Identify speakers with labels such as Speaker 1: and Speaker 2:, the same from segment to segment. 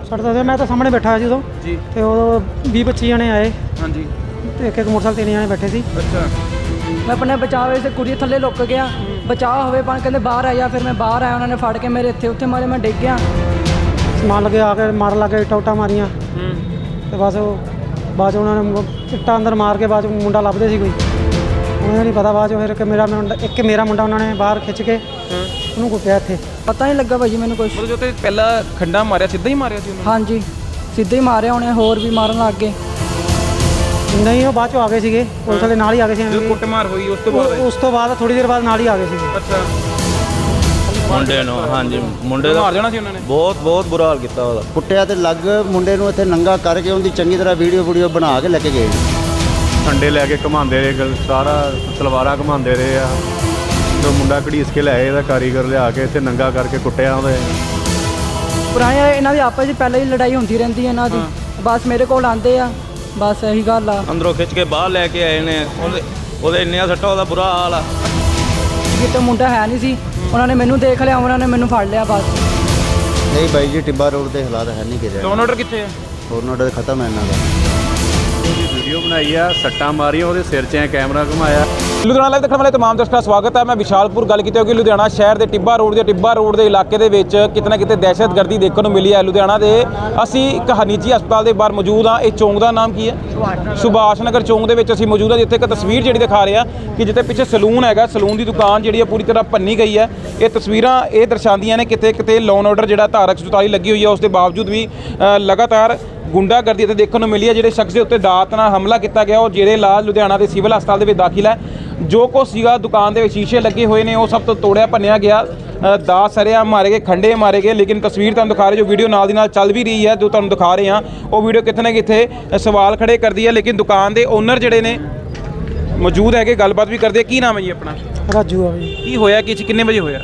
Speaker 1: सट दे मैं तो सामने बैठा जी उदों
Speaker 2: जी
Speaker 1: ते उदों 20-25 जने आए
Speaker 2: हाँ जी
Speaker 1: ते एक मोटरसाइकिल 3 जने बैठे सी।
Speaker 2: अच्छा
Speaker 3: मैं अपने बचाव से कुड़ी थल्ले लुक गया बचाव होवे पान कहते बाहर आया फिर मैं बाहर आया उन्होंने फड़ के मेरे इत्थे उत्थे मारे मैं डिग गया
Speaker 1: समान लगे आके मार लगे इट्टा उट्टा मारियां ते बस बाद च उन्होंने इट्टा अंदर मार के बाद च मुंडा लभदे सी कोई उन्हें नहीं पता बाद च फिर एक मेरा मुंडा उन्होंने बाहर खिंच के ਉਹਨੂੰ ਕੁੱਟਿਆ ਇੱਥੇ
Speaker 3: पता नहीं लगा भाजी मैंने कुछ
Speaker 2: ਮਤਲਬ ਜੋ ਤੇ ਪਹਿਲਾਂ ਖੰਡਾ ਮਾਰਿਆ ਸਿੱਧਾ ਹੀ ਮਾਰਿਆ ਸੀ ਉਹਨਾਂ
Speaker 3: हाँ जी सीधे ही मारे उन्हें होर भी मारन लग गए
Speaker 1: ਨਹੀਂ ਉਹ ਬਾਅਦ ਚੋਂ ਆ ਗਏ ਸੀਗੇ ਪੁਲਿਸ ਵਾਲੇ ਨਾਲ ਹੀ ਆ ਗਏ ਸੀ
Speaker 2: ਨੇ ਜਦੋਂ ਕੁੱਟਮਾਰ ਹੋਈ ਉਸ ਤੋਂ ਬਾਅਦ
Speaker 1: ਉਸ ਤੋਂ ਬਾਅਦ ਥੋੜੀ ਦੇਰ ਬਾਅਦ ਨਾਲ ਹੀ ਆ ਗਏ ਸੀਗੇ।
Speaker 2: ਅੱਛਾ
Speaker 4: ਮੁੰਡੇ ਨੂੰ ਹਾਂਜੀ ਮੁੰਡੇ ਦਾ
Speaker 2: ਮਾਰ ਜਾਣਾ ਸੀ ਉਹਨਾਂ ਨੇ
Speaker 4: ਬਹੁਤ ਬੁਰਾ ਹਾਲ ਕੀਤਾ ਉਹਦਾ
Speaker 5: ਕੁੱਟਿਆ ਤੇ ਲੱਗ ਮੁੰਡੇ ਨੂੰ ਇੱਥੇ ਨੰਗਾ ਕਰਕੇ ਉਹਦੀ ਚੰਗੀ ਤਰ੍ਹਾਂ ਵੀਡੀਓ ਬਣਾ ਕੇ ਲੈ ਕੇ ਗਏ।
Speaker 6: ਖੰਡੇ ਲੈ ਕੇ ਘੁਮਾਉਂਦੇ ਰਹੇ ਸਾਰਾ ਤਲਵਾਰਾਂ ਘੁਮਾਉਂਦੇ ਰਹੇ ਆ ਤੇ ਮੁੰਡਾ ਘੜੀਸ ਕੇ ਲਿਆਏ ਇਹਦਾ ਕਾਰੀਗਰ ਲਿਆ ਕੇ ਇੱਥੇ ਨੰਗਾ ਕਰਕੇ ਕੁੱਟਿਆ ਉਹਦੇ
Speaker 3: ਪੁਰਾਣੇ ਇਹਨਾਂ ਦੀ ਆਪਸ ਵਿੱਚ ਪਹਿਲਾਂ ਹੀ ਲੜਾਈ ਹੁੰਦੀ ਰਹਿੰਦੀ ਹੈ ਇਹਨਾਂ ਦੀ ਬਸ ਮੇਰੇ ਕੋਲ ਆਉਂਦੇ ਆ ਬਸ ਇਹੀ ਗੱਲ ਆ
Speaker 4: ਅੰਦਰੋਂ ਖਿੱਚ ਕੇ ਬਾਹਰ ਲੈ ਕੇ ਆਏ ਨੇ ਉਹਦੇ ਇੰਨੀਆਂ ਸੱਟਾਂ ਉਹਦਾ ਬੁਰਾ ਹਾਲ ਆ
Speaker 3: ਕਿਤੇ ਮੁੰਡਾ ਹੈ ਨਹੀਂ ਸੀ ਉਹਨਾਂ ਨੇ ਮੈਨੂੰ ਦੇਖ ਲਿਆ ਉਹਨਾਂ ਨੇ ਮੈਨੂੰ ਫੜ ਲਿਆ ਬਸ
Speaker 5: ਨਹੀਂ ਬਾਈ ਜੀ ਟਿੱਬਾ ਰੋਡ ਦੇ ਹਾਲਾਤ ਹੈ ਨਹੀਂ ਕਿਰਿਆ
Speaker 2: ਲੋਨ ਆਰਡਰ ਕਿੱਥੇ ਹੈ
Speaker 5: ਹੋਰ ਆਰਡਰ ਖਤਮ ਹੈ ਇਹਨਾਂ ਦਾ।
Speaker 6: ਉਹਦੀ ਵੀਡੀਓ ਬਣਾਈ ਆ ਸੱਟਾਂ ਮਾਰੀਆਂ ਉਹਦੇ ਸਿਰ 'ਚ ਐ ਕੈਮਰਾ ਘੁਮਾਇਆ।
Speaker 2: ਲੁਧਿਆਣਾ ਲਾਈਵ ਦੇਖਣ ਵਾਲੇ तमाम ਦਰਸ਼ਕਾਂ ਦਾ ਸਵਾਗਤ ਹੈ। ਮੈਂ ਵਿਸ਼ਾਲਪੁਰ ਗੱਲ ਕੀਤੀ ਹੋਗੀ ਲੁਧਿਆਣਾ ਸ਼ਹਿਰ ਦੇ ਟਿੱਬਾ ਰੋਡ ਦੇ ਇਲਾਕੇ ਦੇ ਵਿੱਚ ਕਿਤੇ ਨਾ ਕਿਤੇ ਦਹਿਸ਼ਤਗਰਦੀ ਦੇਖਣ ਨੂੰ ਮਿਲੀ ਹੈ। ਲੁਧਿਆਣਾ ਦੇ ਅਸੀਂ ਇੱਕ ਨਿੱਜੀ ਹਸਪਤਾਲ ਦੇ ਬਾਹਰ ਮੌਜੂਦ ਹਾਂ। ਇਹ ਚੌਂਕ ਦਾ ਨਾਮ ਕੀ ਹੈ? ਸੁਭਾਸ਼ ਨਗਰ ਚੌਂਕ ਦੇ ਵਿੱਚ ਅਸੀਂ ਮੌਜੂਦ ਹਾਂ ਜਿੱਥੇ ਇੱਕ ਤਸਵੀਰ ਜਿਹੜੀ ਦਿਖਾ ਰਹੇ ਹਾਂ ਕਿ ਜਿੱਥੇ ਪਿੱਛੇ ਸਲੂਨ ਹੈਗਾ ਸਲੂਨ ਦੀ ਦੁਕਾਨ ਜਿਹੜੀ ਹੈ ਪੂਰੀ ਤਰ੍ਹਾਂ ਭੰਨੀ ਗਈ ਹੈ। ਇਹ ਤਸਵੀਰਾਂ ਇਹ ਦਰਸਾਉਂਦੀਆਂ ਨੇ ਕਿਤੇ ਲੋਨ ਆਰਡਰ ਜਿਹੜਾ ਧਾਰਾ 144 ਲੱਗੀ ਹੋਈ ਹੈ ਉਸ ਦੇ ਬਾਵਜੂਦ ਵੀ ਲਗਾਤਾਰ ਗੁੰਡਾਗਰਦੀ ਇੱਥੇ ਦੇਖਣ ਨੂੰ ਮਿਲੀ ਹੈ। ਜਿਹੜੇ ਸ਼ਖਸ ਦੇ ਉੱਤੇ ਦਾਤ ਨਾਲ ਹਮਲਾ ਕੀਤਾ ਗਿਆ ਉਹ ਜਿਹੜੇ ਇਲਾਜ ਲੁਧਿਆਣਾ ਦੇ ਸਿਵਲ ਹਸਪਤਾਲ ਦੇ ਵਿੱਚ ਦਾਖਲ ਹੈ। ਜੋ ਕੁਛ ਸੀਗਾ ਦੁਕਾਨ ਦੇ ਵਿੱਚ ਸ਼ੀਸ਼ੇ ਲੱਗੇ ਹੋਏ ਨੇ ਉਹ ਸਭ ਤੋਂ ਤੋੜਿਆ ਭੰਨਿਆ ਗਿਆ। ਦਾਤ ਸਰਿਆ ਮਾਰੇ ਗਏ ਖੰਡੇ ਮਾਰੇ ਗਏ। ਲੇਕਿਨ ਤਸਵੀਰ ਤੁਹਾਨੂੰ ਦਿਖਾ ਰਹੇ ਜੋ ਵੀਡੀਓ ਨਾਲ ਦੀ ਨਾਲ ਚੱਲ ਵੀ ਰਹੀ ਹੈ ਜੋ ਤੁਹਾਨੂੰ ਦਿਖਾ ਰਹੇ ਹਾਂ ਉਹ ਵੀਡੀਓ ਕਿਤੇ ਨਾ ਕਿਤੇ ਸਵਾਲ ਖੜੇ ਕਰਦੀ ਹੈ। ਲੇਕਿਨ ਦੁਕਾਨ ਦੇ ਓਨਰ ਜਿਹੜੇ ਨੇ ਮੌਜੂਦ ਹੈਗੇ ਗੱਲਬਾਤ ਵੀ ਕਰਦੇ। ਕੀ ਨਾਮ ਹੈ ਜੀ ਆਪਣਾ?
Speaker 1: ਰਾਜੂ ਆ ਬਈ।
Speaker 2: ਕੀ ਹੋਇਆ ਕਿ ਕਿੰਨੇ ਵਜੇ ਹੋਇਆ?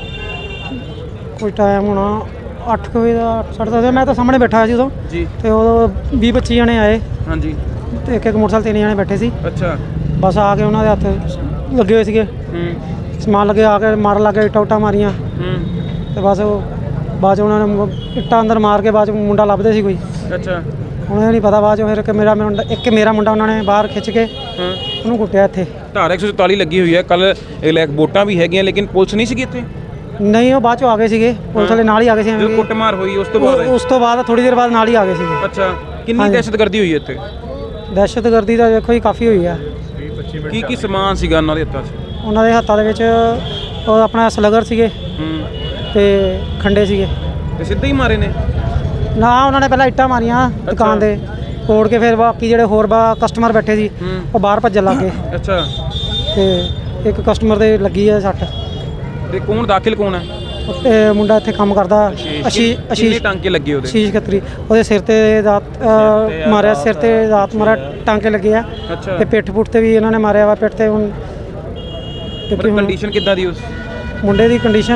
Speaker 1: ਕੋਈ ਟਾਈਮ ਹੋਣਾ 8 ਵਜੇ ਦਾ 8:30 ਮੈਂ ਤਾਂ ਸਾਹਮਣੇ ਬੈਠਾ ਸੀ ਉਦੋਂ
Speaker 2: ਜੀ
Speaker 1: ਤੇ ਉਦੋਂ 20-25 ਜਣੇ ਆਏ
Speaker 2: ਹਾਂਜੀ
Speaker 1: ਤੇ ਇੱਕ ਮੋਟਰਸਾਈਕਲ 3 ਜਣੇ ਬੈਠੇ ਸੀ।
Speaker 2: ਅੱਛਾ
Speaker 1: ਬਸ ਆ ਕੇ ਉਹਨਾਂ ਦੇ ਹੱਥ ਲੱਗੇ ਹੋਏ ਸੀਗੇ ਸਮਾਨ ਲੱਗੇ ਆ ਕੇ ਮਾਰ ਲੱਗੇ ਇੱਟਾਂ ਉੱਟਾਂ ਮਾਰੀਆਂ ਤੇ ਬਸ ਉਹ ਬਾਅਦ 'ਚ ਉਹਨਾਂ ਨੇ ਇੱਟਾਂ ਅੰਦਰ ਮਾਰ ਕੇ ਬਾਅਦ 'ਚ ਮੁੰਡਾ ਲੱਭਦੇ ਸੀ ਕੋਈ
Speaker 2: ਅੱਛਾ
Speaker 1: ਉਹਨਾਂ ਨਹੀਂ ਪਤਾ ਬਾਅਦ 'ਚ ਫਿਰ ਇੱਕ ਮੇਰਾ ਮੁੰਡਾ ਉਹਨਾਂ ਨੇ ਬਾਹਰ ਖਿੱਚ ਕੇ ਉਹਨੂੰ ਕੁੱਟਿਆ ਇੱਥੇ।
Speaker 2: ਧਾਰਾ 144 ਲੱਗੀ ਹੋਈ ਹੈ। ਕੱਲ ਵੋਟਾਂ ਵੀ ਹੈਗੀਆਂ ਲੇਕਿਨ ਪੁਲਿਸ ਨਹੀਂ ਸੀਗੀ ਇੱਥੇ।
Speaker 1: ਨਹੀਂ ਉਹ ਬਾਅਦ 'ਚੋਂ ਆ ਗਏ ਸੀਗੇ ਪੁਲਿਸ ਵਾਲੇ ਨਾਲ ਹੀ ਆ ਗਏ ਸੀ।
Speaker 2: ਜਦੋਂ ਕੁੱਟਮਾਰ ਹੋਈ ਉਸ ਤੋਂ ਬਾਅਦ
Speaker 1: ਥੋੜੀ ਦੇਰ ਬਾਅਦ ਨਾਲ ਹੀ ਆ ਗਏ ਸੀਗੇ।
Speaker 2: ਅੱਛਾ ਕਿੰਨੀ ਦਹਿਸ਼ਤਗਰਦੀ ਹੋਈ ਇੱਥੇ?
Speaker 1: ਦਹਿਸ਼ਤਗਰਦੀ ਤਾਂ ਦੇਖੋ ਜੀ ਕਾਫੀ ਹੋਈ ਆ।
Speaker 2: ਕੀ ਸਮਾਨ ਸੀਗਾ ਉਹਨਾਂ ਦੇ ਹੱਥਾਂ 'ਚ?
Speaker 1: ਉਹਨਾਂ ਦੇ ਹੱਥਾਂ ਦੇ ਵਿੱਚ ਉਹ ਆਪਣਾ ਸਲਗਰ ਸੀਗੇ ਤੇ ਖੰਡੇ ਸੀਗੇ
Speaker 2: ਤੇ ਸਿੱਧੇ ਹੀ ਮਾਰੇ ਨੇ?
Speaker 1: ਨਾ ਉਹਨਾਂ ਨੇ ਪਹਿਲਾਂ ਇੱਟਾਂ ਮਾਰੀਆਂ ਦੁਕਾਨ ਦੇ ਤੋੜ ਕੇ ਫਿਰ ਬਾਕੀ ਜਿਹੜੇ ਹੋਰ ਕਸਟਮਰ ਬੈਠੇ ਸੀ ਉਹ ਬਾਹਰ ਭੱਜਣ ਲੱਗ ਗਏ।
Speaker 2: ਅੱਛਾ
Speaker 1: ਤੇ ਇੱਕ ਕਸਟਮਰ ਦੇ ਲੱਗੀ ਹੈ ਸੱਟ।
Speaker 2: ਤੇ ਕੌਣ ਦਾਖਲ ਕੌਣ ਹੈ?
Speaker 1: ਤੇ ਮੁੰਡਾ ਇੱਥੇ ਕੰਮ ਕਰਦਾ
Speaker 2: ਆਸ਼ੀਸ਼ ਟਾਂਕੇ ਲੱਗੇ ਉਹਦੇ?
Speaker 1: ਆਸ਼ੀਸ਼ ਖੱਤਰੀ ਉਹਦੇ ਸਿਰ ਤੇ ਦਾਤ ਮਾਰਿਆ ਸਿਰ ਤੇ ਦਾਤ ਮਾਰਿਆ ਟਾਂਕੇ ਲੱਗੇ ਆ
Speaker 2: ਅੱਛਾ
Speaker 1: ਤੇ ਪਿੱਠ ਪੁੱਠ ਤੇ ਵੀ ਇਹਨਾਂ ਨੇ ਮਾਰਿਆ ਵਾ ਪਿੱਠ ਤੇ। ਹੁਣ
Speaker 2: ਕੰਡੀਸ਼ਨ ਕਿੱਦਾਂ ਦੀ ਉਸ
Speaker 1: ਮੁੰਡੇ ਦੀ ਕੰਡੀਸ਼ਨ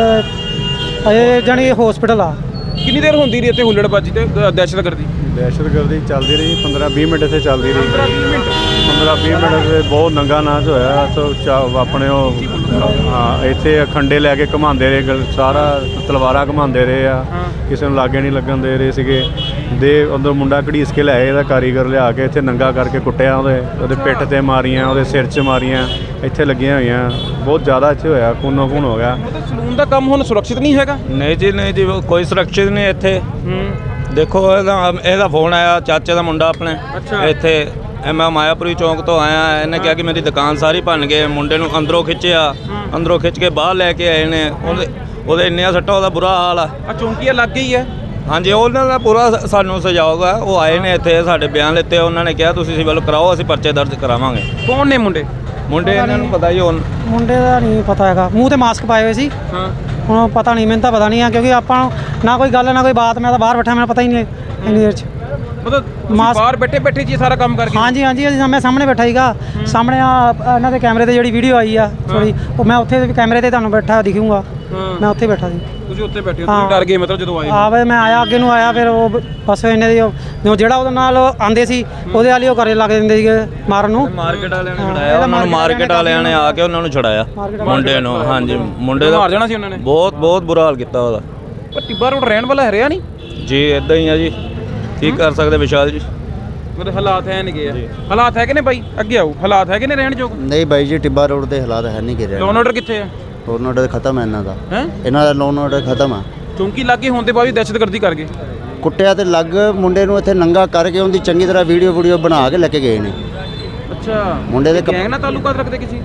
Speaker 1: ਅਜੇ ਜਾਣੀ ਹਸਪੀਟਲ ਆ।
Speaker 2: ਕਿੰਨੀ ਦੇਰ ਹੁੰਦੀ ਰਹੀ ਇੱਥੇ ਹੁੱਲੜਬਾਜੀ ਤੇ ਦਹਿਸ਼ਤਗਰਦੀ
Speaker 6: ਚੱਲਦੀ ਰਹੀ 15-20 ਮਿੰਟ ਇੱਥੇ ਚੱਲਦੀ ਰਹੀ 15-20 ਮਿੰਟ ਤੇ ਬਹੁਤ ਨੰਗਾ ਨਾਚ ਹੋਇਆ ਸੋ ਆਪਣੇ ਉਹ ਹਾਂ ਇੱਥੇ ਖੰਡੇ ਲੈ ਕੇ ਘੁਮਾਉਂਦੇ ਰਹੇ ਸਾਰਾ ਤਲਵਾਰਾਂ ਘੁਮਾਉਂਦੇ ਰਹੇ ਆ ਕਿਸੇ ਨੂੰ ਲਾਗੇ ਨਹੀਂ ਲੱਗਣ ਦੇ ਰਹੇ ਸੀਗੇ ਦੇ ਅੰਦਰ ਮੁੰਡਾ ਘੜੀਸ ਕੇ ਲਿਆਏ ਇਹਦਾ ਕਾਰੀਗਰ ਲਿਆ ਕੇ ਇੱਥੇ ਨੰਗਾ ਕਰਕੇ ਕੁੱਟਿਆ ਉਹਦੇ ਪਿੱਠ ਤੇ ਮਾਰੀਆਂ ਉਹਦੇ ਸਿਰ 'ਚ ਮਾਰੀਆਂ ਇੱਥੇ ਲੱਗੀਆਂ ਹੋਈਆਂ ਬਹੁਤ ਜ਼ਿਆਦਾ ਇੱਥੇ ਹੋਇਆ ਖੂਨੋ ਖੂਨ ਹੋ ਗਿਆ।
Speaker 2: ਸਲੂਨ ਦਾ ਕੰਮ ਹੁਣ ਸੁਰੱਖਿਅਤ ਨਹੀਂ ਹੈਗਾ?
Speaker 4: ਨਹੀਂ ਜੀ ਕੋਈ ਸੁਰੱਖਿਅਤ ਨਹੀਂ ਇੱਥੇ। ਦੇਖੋ ਇਹਦਾ ਫੋਨ ਆਇਆ ਚਾਚੇ ਦਾ ਮੁੰਡਾ ਆਪਣੇ ਇੱਥੇ ਮੈਂ ਮਾਇਆਪੁਰੀ ਚੌਂਕ ਤੋਂ ਆਇਆ। ਇਹਨੇ ਕਿਹਾ ਕਿ ਮੇਰੀ ਦੁਕਾਨ ਸਾਰੀ ਭੰਨ ਗਏ ਮੁੰਡੇ ਨੂੰ ਅੰਦਰੋਂ ਖਿੱਚ ਕੇ ਬਾਹਰ ਲੈ ਕੇ ਆਏ ਨੇ ਉਹਦੇ ਇੰਨੀਆਂ ਸੱਟਾਂ ਉਹਦਾ ਬੁਰਾ ਹਾਲ ਆ।
Speaker 2: ਚੌਂਕੀਆ ਲੱਗ ਗਈ ਹੈ?
Speaker 4: ਹਾਂਜੀ ਉਹਨਾਂ ਦਾ ਪੂਰਾ ਸਾਨੂੰ ਸਹਿਯੋਗ ਆ। ਉਹ ਆਏ ਨੇ ਇੱਥੇ ਸਾਡੇ ਬਿਆਨ ਲਿੱਤੇ ਉਹਨਾਂ ਨੇ ਕਿਹਾ ਤੁਸੀਂ ਸਿਵਲ ਕਰਾਓ ਅਸੀਂ ਪਰਚੇ ਦਰਜ ਕਰਾਵਾਂਗੇ।
Speaker 2: ਕੌਣ ਨੇ ਮੁੰਡੇ
Speaker 4: ਇਹਨਾਂ ਨੂੰ ਪਤਾ ਹੀ
Speaker 1: ਮੁੰਡੇ ਦਾ ਨਹੀਂ ਪਤਾ ਹੈਗਾ। ਮੂੰਹ ਤੇ ਮਾਸਕ ਪਾਏ ਹੋਏ ਸੀ। ਹੁਣ ਪਤਾ ਨਹੀਂ ਮੈਨੂੰ ਤਾਂ ਪਤਾ ਨਹੀਂ ਆ ਕਿਉਂਕਿ ਆਪਾਂ ਨਾ ਕੋਈ ਗੱਲ ਨਾ ਕੋਈ ਬਾਤ ਮੈਂ ਤਾਂ ਬਾਹਰ ਬੈਠਾ ਮੈਨੂੰ ਪਤਾ ਹੀ ਨਹੀਂ ਇੰਨੀ ਦੇਰ 'ਚ।
Speaker 2: ਮਤਲਬ ਬਾਹਰ ਬੈਠੇ ਜੀ ਸਾਰਾ ਕੰਮ ਕਰਕੇ? ਹਾਂਜੀ
Speaker 1: ਮੈਂ ਸਾਹਮਣੇ ਬੈਠਾ ਸੀਗਾ ਸਾਹਮਣੇ ਇਹਨਾਂ ਦੇ ਕੈਮਰੇ ਤੇ ਜਿਹੜੀ ਵੀਡੀਓ ਆਈ ਆ ਥੋੜੀ ਉਹ ਮੈਂ ਉੱਥੇ ਕੈਮਰੇ ਤੇ ਤੁਹਾਨੂੰ ਬੈਠਾ ਦਿਖੂੰਗਾ ਮੈਂ ਉੱਥੇ ਬੈਠਾ ਸੀ।
Speaker 2: ਤੁਸੀਂ ਉੱਥੇ ਬੈਠੇ ਹੋ? ਤੁਸੀਂ ਡਰ ਗਏ ਮਤਲਬ ਜਦੋਂ ਆਏ?
Speaker 1: ਵੇ ਮੈਂ ਆਇਆ ਅੱਗੇ ਨੂੰ ਆਇਆ ਫਿਰ ਉਹ ਬਸ ਇਹਨੇ ਦੀ ਜਿਹੜਾ ਉਹਦੇ ਨਾਲ ਆਂਦੇ ਸੀ ਉਹਦੇ ਵਾਲੀ ਉਹ ਕਰੇ ਲੱਗ ਦਿੰਦੇ ਸੀਗੇ ਮਾਰਨ ਨੂੰ।
Speaker 4: ਮਾਰਕੀਟ ਵਾਲਿਆਂ ਨੇ ਛੜਾਇਆ ਉਹਨਾਂ ਨੂੰ। ਮਾਰਕੀਟ ਵਾਲਿਆਂ ਨੇ ਆ ਕੇ ਉਹਨਾਂ ਨੂੰ ਛੜਾਇਆ ਮੁੰਡੇ ਨੂੰ। ਹਾਂਜੀ ਮੁੰਡੇ ਦਾ
Speaker 2: ਮਾਰ ਜਾਣਾ ਸੀ ਉਹਨਾਂ ਨੇ?
Speaker 4: ਬਹੁਤ ਬੁਰਾ ਹਾਲ ਕੀਤਾ ਉਹਦਾ।
Speaker 2: ਪਰ ਟਿੱਬਾ ਰੋਡ ਰਹਿਣ ਵਾਲਾ ਹਰਿਆ ਨਹੀਂ?
Speaker 4: ਜੀ ਇਦਾਂ ਹੀ ਆ ਜੀ, ਕੀ ਕਰ ਸਕਦੇ ਵਿਸ਼ਾਲ ਜੀ।
Speaker 2: ਮਤਲਬ ਹਾਲਾਤ ਹੈ ਨਹੀਂਗੇ ਆ, ਹਾਲਾਤ ਹੈਗੇ ਨੇ ਬਾਈ, ਅੱਗੇ ਆਓ, ਹਾਲਾਤ ਹੈਗੇ ਨੇ ਰਹਿਣ ਯੋਗ?
Speaker 5: ਨਹੀਂ ਬਾਈ ਜੀ, ਟਿੱਬਾ ਰੋਡ ਦੇ ਹਾਲਾਤ ਹੈ ਨਹੀਂ ਗਿਰਿਆ।
Speaker 2: ਲੋਨ ਆਰਡਰ ਕਿੱਥੇ ਆ?
Speaker 5: ਲੋਨ ਆਰਡਰ ਖਤਮ ਹੈ ਇਹਨਾਂ ਦਾ।
Speaker 2: ਹੈ
Speaker 5: ਇਹਨਾਂ ਦਾ ਲੋਨ ਆਰਡਰ ਖਤਮ ਆ।
Speaker 2: ਚੌਂਕੀ ਲਾਗੇ ਹੋਣ ਦੇ ਬਾਅਦ ਵੀ ਦਹਿਸ਼ਤਗਰਦੀ ਕਰ ਗਏ।
Speaker 5: ਕੁੱਟਿਆ ਤੇ ਲੱਗ ਮੁੰਡੇ ਨੂੰ ਇੱਥੇ ਨੰਗਾ ਕਰਕੇ ਉਹਦੀ ਚੰਗੀ ਤਰ੍ਹਾਂ ਵੀਡੀਓ ਬਣਾ ਕੇ ਲੈ ਕੇ ਗਏ ਨੇ।
Speaker 2: ਅੱਛਾ,
Speaker 5: ਮੁੰਡੇ ਦੇ
Speaker 2: ਗੈਂਗ ਨਾਲ ਤਾਲੁਕਾਤ ਰੱਖਦੇ ਕਿਸੇ?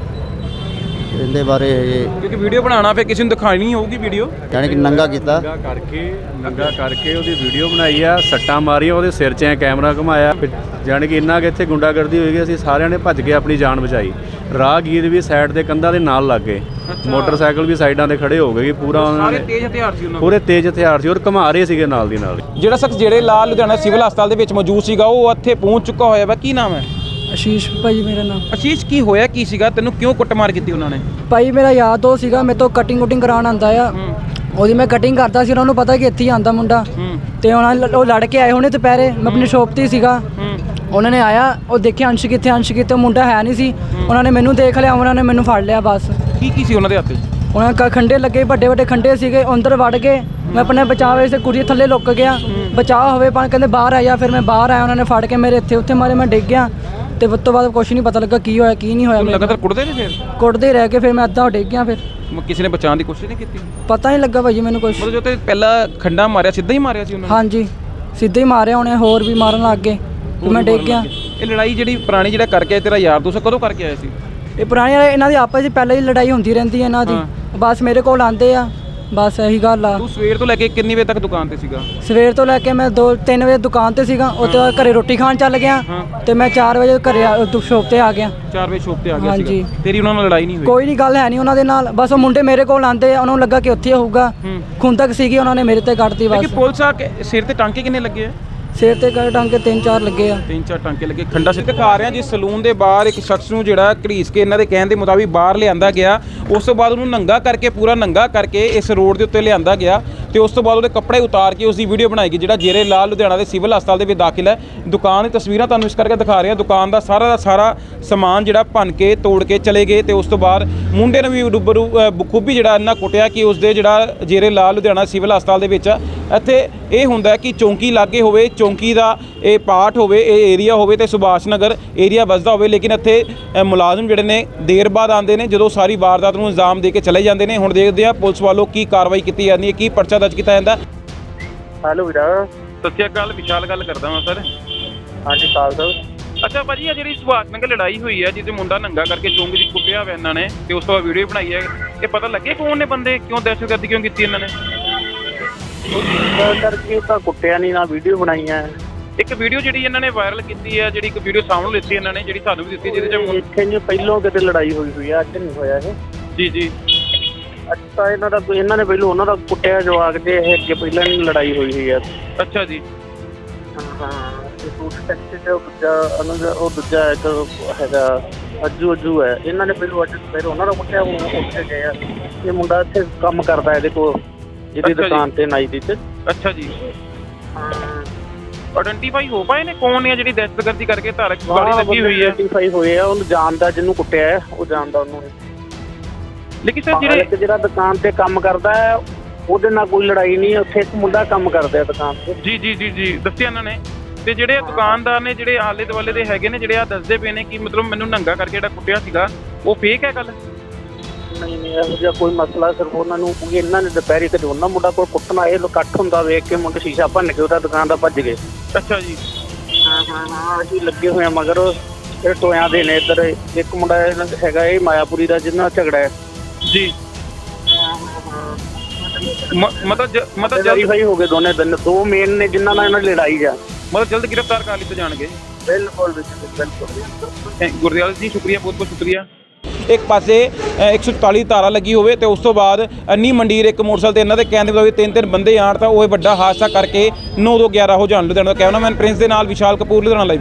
Speaker 5: ਇਹਦੇ ਬਾਰੇ
Speaker 2: ਕਿਉਂਕਿ ਵੀਡੀਓ ਬਣਾਉਣਾ ਫਿਰ ਕਿਸੇ ਨੂੰ ਦਿਖਾਣੀ ਹੋਊਗੀ ਵੀਡੀਓ,
Speaker 5: ਯਾਨੀ ਕਿ ਨੰਗਾ ਕੀਤਾ।
Speaker 6: ਨੰਗਾ ਕਰਕੇ ਉਹਦੀ ਵੀਡੀਓ ਬਣਾਈ ਆ, ਸੱਟਾਂ ਮਾਰੀਆਂ, ਉਹਦੇ ਸਿਰ 'ਚ ਐ ਕੈਮਰਾ ਘੁਮਾਇਆ, ਜਾਣੀ ਕਿ ਇੰਨਾ ਕਿ ਇੱਥੇ ਗੁੰਡਾਗਰਦੀ ਹੋਈ, ਅਸੀਂ ਸਾਰਿਆਂ ਨੇ ਭੱਜ ਕੇ ਆਪਣੀ ਜਾਨ ਬਚਾਈ। ਰਾਹਗੀਰ ਵੀ ਸਾਈਡ ਦੇ ਕੰਧਾਂ ਦੇ ਨਾਲ ਲੱਗ ਗਏ, ਮੋਟਰਸਾਈਕਲ ਵੀ ਸਾਈਡਾਂ ਤੇ ਖੜੇ ਹੋ ਗਏ ਕਿ ਪੂਰਾ ਉਹਨਾਂ
Speaker 2: ਸਾਰੇ
Speaker 6: ਨੇ
Speaker 2: ਤੇਜ਼ ਹਥਿਆਰ ਸੀ ਉਹਨਾਂ ਕੋਲ।
Speaker 6: ਪੂਰੇ ਤੇਜ਼ ਹਥਿਆਰ ਸੀ ਔਰ ਘੁਮਾ ਰਹੇ ਸੀਗੇ ਨਾਲ ਦੀ ਨਾਲ।
Speaker 2: ਜਿਹੜਾ ਸ਼ਖਸ ਜਿਹੜੇ ਲਾਲ ਲੁਧਿਆਣਾ ਸਿਵਲ ਹਸਪਤਾਲ ਦੇ ਵਿੱਚ ਮੌਜੂਦ ਸੀਗਾ ਉਹ ਇੱਥੇ ਪਹੁੰਚ ਚੁੱਕਾ ਹੋਇਆ ਵਾ। ਕੀ ਨਾਮ ਹੈ?
Speaker 3: ਆਸ਼ੀਸ਼ ਭਾਈ ਮੇਰਾ ਨਾਮ।
Speaker 2: ਅਸ਼ੀਸ਼, ਕੀ ਹੋਇਆ ਕੀ ਸੀਗਾ? ਤੈਨੂੰ ਕਿਉਂ ਕੁੱਟਮਾਰ ਕੀਤੀ ਉਹਨਾਂ ਨੇ?
Speaker 3: ਭਾਈ ਮੇਰਾ ਯਾਰ ਦੋਸਤ ਸੀਗਾ, ਮੇਰੇ ਤੋਂ ਕਟਿੰਗ ਕਰਾਉਣ ਆਉਂਦਾ ਆ। ਉਹਦੀ ਮੈਂ ਕਟਿੰਗ ਕਰਦਾ ਸੀ, ਉਹਨਾਂ ਨੂੰ ਪਤਾ ਕਿ ਇੱਥੇ ਹੀ ਆਂਦਾ ਮੁੰਡਾ, ਤੇ ਉਹ ਲੜ ਕੇ ਆਏ ਹੋਣੇ ਦੁਪਹਿਰੇ। ਮੈਂ ਆਪਣੀ ਸ਼ੋਪ 'ਤੇ ਸੀਗਾ, ਉਹਨਾਂ ਨੇ ਆਇਆ, ਉਹ ਦੇਖਿਆ ਅੰਸ਼ ਕਿੱਥੇ, ਮੁੰਡਾ ਹੈ ਨਹੀਂ ਸੀ। ਉਹਨਾਂ ਨੇ ਮੈਨੂੰ ਦੇਖ ਲਿਆ, ਉਹਨਾਂ ਨੇ ਮੈਨੂੰ ਫੜ ਲਿਆ ਬਸ।
Speaker 2: ਕੀ ਸੀ ਉਹਨਾਂ ਦੇ ਹੱਥ 'ਚ?
Speaker 3: ਉਹਨਾਂ ਦੇ ਖੰਡੇ ਲੱਗੇ, ਵੱਡੇ ਖੰਡੇ ਸੀਗੇ, ਅੰਦਰ ਵੜ ਗਏ। ਮੈਂ ਆਪਣੇ ਬਚਾਅ ਵੇ ਕੁੜੀ ਥੱਲੇ ਲੁੱਕ ਗਿਆ, ਬਚਾਅ ਹੋਵੇ ਪਰ ਕਹਿੰਦੇ ਬਾਹਰ ਆ ਜਾ। ਫਿਰ ਮੈਂ ਬਾਹਰ ਆਇਆ, ਉਹਨਾਂ ਨੇ ਫੜ ਕੇ ਮੇਰੇ ਉੱਥੇ ਮਾਰੇ, ਮੈਂ ਡਿੱਗ ਗਿਆ। ਤੇ ਉਸ ਤੋਂ ਬਾਅਦ ਕੁਛ ਨਹੀਂ ਪਤਾ ਲੱਗਾ ਕੀ ਹੋਇਆ ਕੀ ਨਹੀਂ ਹੋਇਆ।
Speaker 2: ਲਗਾਤਾਰ ਕੁੱਟਦੇ ਨੇ ਫਿਰ?
Speaker 3: ਕੁੱਟਦੇ ਰਹਿ ਕੇ ਫਿਰ ਮੈਂ ਅੱਧਾ ਡਿੱਗ ਗਿਆ। ਫਿਰ
Speaker 2: ਕਿਸੇ ਨੇ ਬਚਾਉਣ ਦੀ ਕੋਸ਼ਿਸ਼ ਨਹੀਂ ਕੀਤੀ?
Speaker 3: ਪਤਾ ਨਹੀਂ ਲੱਗਾ ਭਾਜੀ ਮੈਨੂੰ ਕੁਛ।
Speaker 2: ਮਤਲਬ ਜੋ ਤੇ ਪਹਿਲਾਂ ਖੰਡਾ ਮਾਰਿਆ ਸਿੱਧਾ ਹੀ ਮਾਰਿਆ ਸੀ ਉਹਨਾਂ ਨੇ?
Speaker 3: ਹਾਂਜੀ, ਸਿੱਧੇ ਹੀ ਮਾਰਿਆ ਉਹਨੇ, ਹੋਰ ਵੀ ਮਾਰਨ ਲੱਗ ਗਏ। ਮੈਂ ਡਿੱਗ ਗਿਆ।
Speaker 2: ਇਹ ਲੜਾਈ ਜਿਹੜੀ ਪੁਰਾਣੀ ਜਿਹੜਾ ਕਰਕੇ ਤੇਰਾ ਯਾਰ ਦੋਸਤ ਕਦੋਂ ਕਰਕੇ ਆਇਆ ਸੀ?
Speaker 3: ਇਹ ਪੁਰਾਣੀ ਇਹਨਾਂ ਦੀ ਆਪਸ ਵਿੱਚ ਪਹਿਲਾਂ ਹੀ ਲੜਾਈ ਹੁੰਦੀ ਰਹਿੰਦੀ ਹੈ ਇਹਨਾਂ ਦੀ। ਬਸ ਮੇਰੇ ਕੋਲ ਆਉਂਦੇ ਆ, ਬਸ ਇਹੀ ਗੱਲ ਆ।
Speaker 2: ਤੂੰ ਸਵੇਰ ਤੋਂ ਲੈ ਕੇ ਕਿੰਨੀ ਵਜੇ ਤੱਕ ਦੁਕਾਨ ਤੇ ਸੀਗਾ?
Speaker 3: ਸਵੇਰ ਤੋਂ ਲੈ ਕੇ ਮੈਂ 2-3 ਵਜੇ ਦੁਕਾਨ ਤੇ ਸੀਗਾ, ਉਹ ਤੋਂ ਬਾਅਦ ਘਰੇ ਰੋਟੀ ਖਾਣ ਚੱਲ ਗਿਆ, ਤੇ ਮੈਂ 4 ਵਜੇ ਘਰੇ ਸ਼ੋਪ ਤੇ ਆ ਗਿਆ।
Speaker 2: 4 ਵਜੇ ਸ਼ੋਪ ਤੇ ਆ ਗਿਆ
Speaker 3: ਹਾਂਜੀ।
Speaker 2: ਸੀਗਾ। ਤੇਰੀ ਉਹਨਾਂ ਨਾਲ ਲੜਾਈ ਨਹੀਂ ਹੋਈ?
Speaker 3: ਕੋਈ ਨਹੀਂ, ਗੱਲ ਹੈ ਨਹੀਂ ਉਹਨਾਂ ਦੇ ਨਾਲ। ਬਸ ਉਹ ਮੁੰਡੇ ਮੇਰੇ ਕੋਲ ਆਉਂਦੇ ਆ, ਉਹਨਾਂ ਨੂੰ ਲੱਗਾ ਕਿ ਉੱਥੇ ਹੋਊਗਾ। ਖੁੰਦਕ ਸੀਗੀ, ਉਹਨਾਂ ਨੇ ਮੇਰੇ ਤੇ ਕੱਢਤੀ
Speaker 2: ਕਿ
Speaker 3: ਬਸ।
Speaker 2: ਪੁਲਿਸ ਆ ਕੇ ਸਿਰ ਤੇ ਟਾਂਕੇ ਕਿੰਨੇ ਲੱਗੇ ਆ?
Speaker 3: ਸਿਰ ਤੇ ਟਾਂਕੇ 3-4 ਲੱਗੇ ਆ।
Speaker 2: 3-4 ਟਾਂਕੇ ਲੱਗੇ। ਖੰਡਾ ਸਿੱਧ ਦਿਖਾ ਰਿਹਾ ਜੀ ਸਲੂਨ ਦੇ ਬਾਹਰ ਇੱਕ ਸ਼ਖਸ ਨੂੰ ਜਿਹੜਾ ਘੜੀਸ ਕੇ ਇਹਨਾਂ ਦੇ ਕਹਿਣ ਦੇ ਮੁਤਾਬਿਕ ਬਾਹਰ ਲਿਆਂਦਾ ਗਿਆ। ਉਸ ਤੋਂ ਬਾਅਦ ਉਹਨੂੰ ਨੰਗਾ ਕਰਕੇ, ਪੂਰਾ ਨੰਗਾ ਕਰਕੇ ਇਸ ਰੋਡ ਦੇ ਉੱਤੇ ਲਿਆਂਦਾ ਗਿਆ, ਤੇ ਉਸ ਤੋਂ ਬਾਅਦ ਉਹਦੇ ਕੱਪੜੇ ਉਤਾਰ ਕੇ ਉਸ ਦੀ ਵੀਡੀਓ ਬਣਾਈ ਗਈ। ਜਿਹੜਾ ਜੇਰੇ ਲਾਲ ਲੁਧਿਆਣਾ ਦੇ ਸਿਵਲ ਹਸਪਤਾਲ ਦੇ ਵਿੱਚ ਦਾਖਲ ਹੈ। ਦੁਕਾਨ ਦੀ ਤਸਵੀਰਾਂ ਤੁਹਾਨੂੰ ਇਸ ਕਰਕੇ ਦਿਖਾ ਰਹੇ ਹਾਂ। ਦੁਕਾਨ ਦਾ ਸਾਰਾ ਸਮਾਨ ਜਿਹੜਾ ਭੰਨ ਕੇ ਤੋੜ ਕੇ ਚਲੇ ਗਏ, ਤੇ ਉਸ ਤੋਂ ਬਾਅਦ ਮੁੰਡੇ ਨੂੰ ਵੀ ਬਖੂਬੀ ਜਿਹੜਾ ਇੰਨਾ ਕੁੱਟਿਆ ਕਿ ਉਸ ਦੇ ਜਿਹੜਾ ਜੇਰੇ ਲਾਲ ਲੁਧਿਆਣਾ ਸਿਵਲ ਹਸਪਤਾਲ ਦੇ ਵਿੱਚ ਇੱਥੇ ਇਹ ਹੁੰਦਾ ਕਿ ਚੌਂਕੀ ਲਾਗੇ ਹੋਵੇ, ਚੌਂਕੀ ਦਾ ਇਹ ਪਾਰਟ ਹੋਵੇ, ਇਹ ਏਰੀਆ ਹੋਵੇ, ਤੇ ਸੁਭਾਸ਼ ਨਗਰ ਏਰੀਆ ਵੱਸਦਾ ਹੋਵੇ, ਲੇਕਿਨ ਇੱਥੇ ਮੁਲਾਜ਼ਮ ਜਿਹੜੇ ਨੇ ਦੇਰ ਬਾਅਦ ਆਉਂਦੇ ਨੇ, ਜਦੋਂ ਸਾਰੀ ਵਾਰਦਾਤ ਨੂੰ ਅੰਜਾਮ ਦੇ ਕੇ ਚਲੇ ਜਾਂਦੇ ਨੇ। ਹੁਣ ਦੇਖਦੇ ਆ ਪੁਲਿਸ ਵੱਲੋਂ ਕੀ ਕਾਰਵਾਈ ਕੀਤੀ ਜਾਂਦੀ ਹੈ, ਕੀ ਪਰਚਾ ਦਰਜ ਕੀਤਾ ਜਾਂਦਾ।
Speaker 7: ਹੈਲੋ ਵੀਰਾ।
Speaker 2: ਸਤਿ ਸ਼੍ਰੀ ਅਕਾਲ, ਵਿਸ਼ਾਲ ਗੱਲ ਕਰਦਾ ਹਾਂ ਸਰ।
Speaker 7: ਹਾਂਜੀ ਸਾਲ ਸਾਹਿਬ।
Speaker 2: ਅੱਛਾ ਭਾਜੀ, ਆ ਜਿਹੜੀ ਸੁਭਾਸ਼ ਨਗਰ ਲੜਾਈ ਹੋਈ ਹੈ, ਜਿਹਦੇ ਮੁੰਡਾ ਨੰਗਾ ਕਰਕੇ ਚੌਂਕ 'ਚ ਕੁੱਟਿਆ ਹੋਇਆ ਇਹਨਾਂ ਨੇ, ਤੇ ਉਸ ਤੋਂ ਬਾਅਦ ਵੀਡੀਓ ਬਣਾਈ ਹੈ, ਇਹ ਪਤਾ ਲੱਗੇ ਕੌਣ ਨੇ ਬੰਦੇ, ਕਿਉਂ ਦਹਿਸ਼ਤਗਰਦੀ ਕਿਉਂ ਕੀਤੀ ਇਹਨਾਂ ਨੇ?
Speaker 7: ਕਰਕੇ ਤਾਂ ਕੁੱਟਿਆ ਨਹੀਂ, ਨਾ ਵੀਡੀਓ ਬਣਾਈ ਹੈ।
Speaker 2: ਇੱਕ ਵੀਡੀਓ ਜਿਹੜੀ ਇਹਨਾਂ ਨੇ ਵਾਇਰਲ ਕੀਤੀ ਹੈ, ਜਿਹੜੀ ਇੱਕ ਵੀਡੀਓ ਸਾਹਮਣੇ ਲਿੱਤੀ ਇਹਨਾਂ ਨੇ, ਜਿਹੜੀ ਸਾਨੂੰ ਵੀ ਦਿੱਤੀ, ਜਿਹਦੇ 'ਚ
Speaker 7: ਇੱਥੇ ਨਹੀਂ ਪਹਿਲੋਂ ਕਿਤੇ ਲੜਾਈ ਹੋਈ ਆ, ਅੱਜ ਨਹੀਂ ਹੋਇਆ ਇਹ।
Speaker 2: ਜੀ
Speaker 7: ਅੱਜ ਤਾਂ ਇਹਨਾਂ ਨੇ ਪਹਿਲੋਂ ਉਹਨਾਂ ਦਾ ਕੁੱਟਿਆ ਜਵਾਕ ਦੇ, ਇਹ ਅੱਗੇ ਪਹਿਲਾਂ ਨਹੀਂ ਲੜਾਈ ਹੋਈ ਆ।
Speaker 2: ਅੱਛਾ ਜੀ।
Speaker 7: ਹਾਂ, ਇਹ ਫੂਡ ਟੈਕਸੀ ਤੇ ਉਹ ਦੂਜਾ ਇੱਕ ਹੈਗਾ ਅੱਜੂ ਹੈ। ਇਹਨਾਂ ਨੇ ਪਹਿਲਾਂ ਉਹਨਾਂ ਦਾ ਕੁੱਟਿਆ, ਹੁਣ ਉੱਥੇ ਗਏ ਆ। ਇਹ ਮੁੰਡਾ ਇੱਥੇ ਕੰਮ ਕਰਦਾ ਇਹਦੇ ਕੋਲ, ਜਿਹਦੀ ਦੁਕਾਨ ਤੇ ਨਾਈ ਦੀ ਤੇ।
Speaker 2: ਅੱਛਾ ਜੀ।
Speaker 7: ਹਾਂ,
Speaker 2: ਆਇਡੈਂਟੀਫਾਈ ਹੋ ਪਾਏ ਨੇ ਕੌਣ ਨੇ ਜਿਹੜੀ ਦਹਿਸ਼ਤਗਰਦੀ ਕਰਕੇ ਧਾਰਕ ਗਾੜੀ ਲੱਗੀ ਹੋਈ ਹੈ?
Speaker 7: ਆਇਡੈਂਟੀਫਾਈ ਹੋਏ ਆ, ਉਹਨੂੰ ਜਾਣਦਾ, ਜਿਹਨੂੰ ਕੁੱਟਿਆ ਹੈ ਉਹ ਜਾਣਦਾ ਉਹਨੂੰ।
Speaker 2: ਲੇਕਿਨ ਸਰ
Speaker 7: ਜਿਹੜਾ ਦੁਕਾਨ ਤੇ ਕੰਮ ਕਰਦਾ ਹੈ ਉਹਦੇ ਨਾਲ ਕੋਈ ਲੜਾਈ ਨਹੀਂ, ਉੱਥੇ ਇੱਕ ਮੁੰਡਾ ਕੰਮ ਕਰਦਾ ਦੁਕਾਨ ਤੇ।
Speaker 2: ਜੀ ਦੱਸਿਆ ਇਹਨਾਂ ਨੇ। ਤੇ ਜਿਹੜੇ ਦੁਕਾਨਦਾਰ ਨੇ, ਜਿਹੜੇ ਆਲੇ ਦੁਆਲੇ ਦੇ ਹੈਗੇ ਨੇ, ਜਿਹੜੇ ਆ ਦੱਸਦੇ ਪਏ ਨੇ ਕਿ ਮਤਲਬ ਮੈਨੂੰ ਨੰਗਾ ਕਰਕੇ ਜਿਹੜਾ ਕੁੱਟਿਆ ਸੀਗਾ, ਉਹ ਫੇਕ ਹੈ ਗੱਲ?
Speaker 7: ਨਹੀਂ ਇਹੋ ਜਿਹਾ ਕੋਈ ਮਸਲਾ। ਸਿਰਫ ਉਹਨਾਂ ਨੂੰ ਇਹਨਾਂ ਨੇ ਦੁਪਹਿਰੇ ਕਦੇ ਉਹਨਾਂ ਮੁੰਡਾ ਕੋਲ ਕੁੱਟਣਾ, ਇਹ ਇਕੱਠ ਹੁੰਦਾ ਵੇਖ ਕੇ ਮੁੰਡੇ ਸ਼ੀਸ਼ਾ ਭੰਨ ਕੇ ਉਹਦਾ ਦੁਕਾਨ ਦਾ ਭੱਜ ਗਏ।
Speaker 2: ਅੱਛਾ ਜੀ।
Speaker 7: ਹਾਂ ਅਸੀਂ ਲੱਗੇ ਹੋਏ ਆ ਮਗਰ। ਇਹ ਟੋਇਆਂ ਦੇ ਨੇ ਇੱਧਰ। ਇੱਕ ਮੁੰਡਾ ਹੈਗਾ ਇਹ ਮਾਇਆਪੁਰੀ ਦਾ, ਜਿਹਦੇ ਨਾਲ ਝਗੜਾ ਹੈ
Speaker 2: ਜੀ। ਮਤਲਬ
Speaker 7: ਜਲਦੀ ਭਾਈ ਹੋ ਗਏ ਦੋਨੇ ਦਿਨ, ਦੋ ਮੇਨ ਨੇ ਜਿਨ੍ਹਾਂ ਨਾਲ ਇਹਨਾਂ ਦੀ ਲੜਾਈ ਜਾ।
Speaker 2: ਮਤਲਬ ਜਲਦ ਗ੍ਰਿਫਤਾਰ ਕਰ ਲਿੱਤੇ ਜਾਣਗੇ।
Speaker 7: ਬਿਲਕੁਲ।
Speaker 2: ਗੁਰਦਿਆਲ ਜੀ ਸ਼ੁਕਰੀਆ, ਬਹੁਤ ਬਹੁਤ ਸ਼ੁਕਰੀਆ। ਇੱਕ ਪਾਸੇ 144 ਧਾਰਾ ਲੱਗੀ ਹੋਵੇ, ਤੇ ਉਸ ਤੋਂ ਬਾਅਦ ਅੰਨੀ ਮੰਡੀਰ ਇੱਕ ਮੋਟਰਸਾਈਕਲ ਤੇ ਇਹਨਾਂ ਦੇ ਕਹਿਣ ਦੇ ਮੁਤਾਬਿਕ 3 ਬੰਦੇ ਆਣ, ਤਾਂ ਉਹ ਵੱਡਾ ਹਾਦਸਾ ਕਰਕੇ 9-2-11 ਹੋ ਜਾਣ। ਲੁਧਿਆਣਾ ਦਾ ਕੈਮਰਾਮੈਨ ਪ੍ਰਿੰਸ ਦੇ ਨਾਲ ਵਿਸ਼ਾਲ ਕਪੂਰ, ਲੁਧਿਆਣਾ ਲਾਈਵ।